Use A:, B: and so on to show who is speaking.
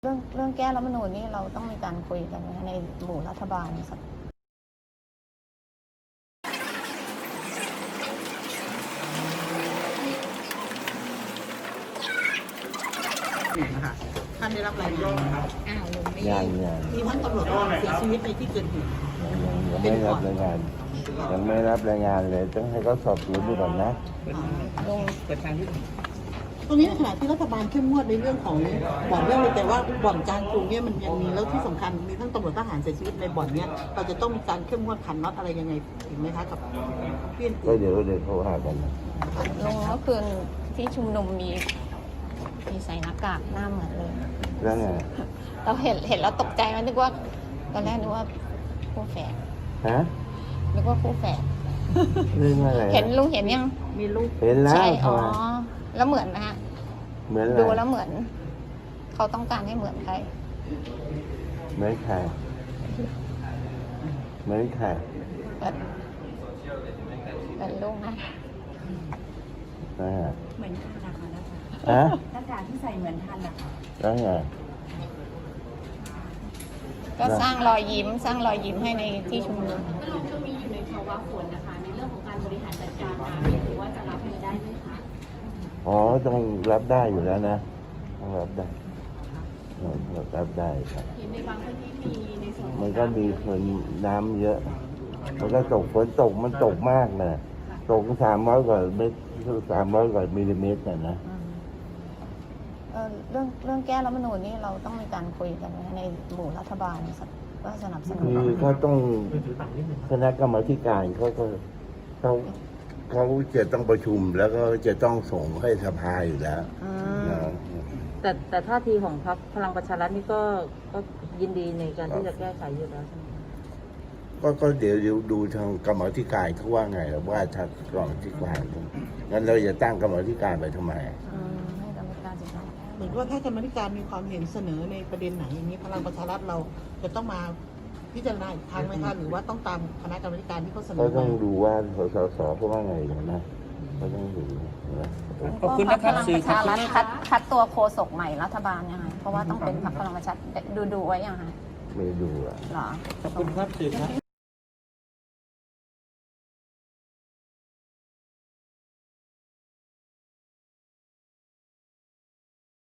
A: เรื่องแก้รัฐธรรมนูญนี่เราต้องมีการคุยกันในหมู่รัฐบาลสัก
B: นะคะท่านได้รับรายงานนะครับ
A: ลุงไม่
C: ยัง
B: มีท่านตำรวจเสียชีวิตในที่เกิดเหตุ
C: ไม่รับรายงานยังไม่รับรายงานเลยต้องให้เขาสอบสวนดูก่อนนะ
A: ลุง
B: ตรงนี้ในขณะที่รัฐบาลเข้มงวดในเรื่องของบ่อนเรื่องเลยแต่ว่าบ่อนกลางกรุงเนี่ยมันยังมีแล้วที่สำคัญมีทั้งตำรวจทหารเสียชีวิตในบ่อนเนี่ยเราจะต้องมีการเข้มงวดขันน็อตอะไรยังไงอีกไหมคะกับเพื่อน
C: ก็เดี๋ยวเขาหากันนะ
A: ลุงเมื่อคืนที่ชุมนุมมีใส่หน้ากากหน้าเหมือนเลย
C: แล้วไง
A: เราเห็นแล้วตกใจมันนึกว่าตอนแรกนึกว่าคู่แฝด
C: ฮะ
A: นึกว่าคู่แฝด
C: เรื่องอะไร
A: เห็นลุงเห็นยัง
B: มีลูก
C: เห็นแล้ว
A: ใช่
C: ทำไม
A: แล้วเหมือนนะฮะ
C: เหมือนอะไร
A: ดูแล้วเหมือน เขาต้องการให้เหมือนใคร
C: เหมือนใครเหมือนใคร
A: เป็นลุงนะ
C: นะฮะ
D: เหมือนทันนะคะนะคะ
C: ฮะ
D: หน้ากากที่ใส่เหมือนทันนะคะ
C: แล้วไง
A: ก็สร้างรอยยิ้มให้ในที่ชุมนุม
D: ก็ลงช่วงนี้อยู่ในภาวะฝนนะคะ ในเรื่องของการบริหารจัดการน้ำถือว่าจะรับมือได้ไหมคะ
C: อ๋อต้องรับได้อยู่แล้วนะต้องรับได้รับได้ครับ
D: เห็นในบางพื้นที่มีในส่วนของ
C: มันก็มีคนน้ำเยอะ มันก็ตกฝนตกมันตกมากนะตก300 กว่าเมตร300 กว่ามิลลิเมตรนะ
A: เรื่องแก้รัฐธรรมนูญนี่เราต้องมีการคุยกันในหมู่รัฐบาลสักว่าสนับสนุน
C: คือเขาต้องคณะกรรมาธิการเขาจะต้องประชุมแล้วก็จะต้องส่งให้สภาอยู่แล้ว
A: อืม
C: นะ
E: แต่ท่าทีของพรรคพลังประชารัฐนี่ก็ยินดีในการที่จะแก้ไขอยู่แล้วใช่ไหม
C: ก็เดี๋ยวดูทางกรรมาธิการเขาว่าไงว่าทางกรรมาธิการงั้นเราจะตั้งกรรมาธิการไปทำไม
A: ให้กรรมการศึกษา
B: เหมือนว่าถ้ากรรมาธิการมีความเห็นเสนอในประเด็นไหนอย่างนี้พลังประชารัฐเราจะต้องมาพิจารณาอีกครั้งไหมคะหรือว่าต้องตามคณะกรรมาธิการที่เขาเสน
C: เขา
B: อ
C: ต้อง
B: มา
C: ดูว่าสเขาว่าไงนะเขาต้องดูนะ
A: ขอบคุณนะครับสื่อพลังประชารัฐคัดตัวโฆษกใหม่รัฐบาลยังไงเพราะว่าต้องเป็นพรรคพลังประชารัฐดูไว้ยังไง
C: ไม่ดูอ่ะ
A: หรอ
F: ขอบคุณครับสื่อครับ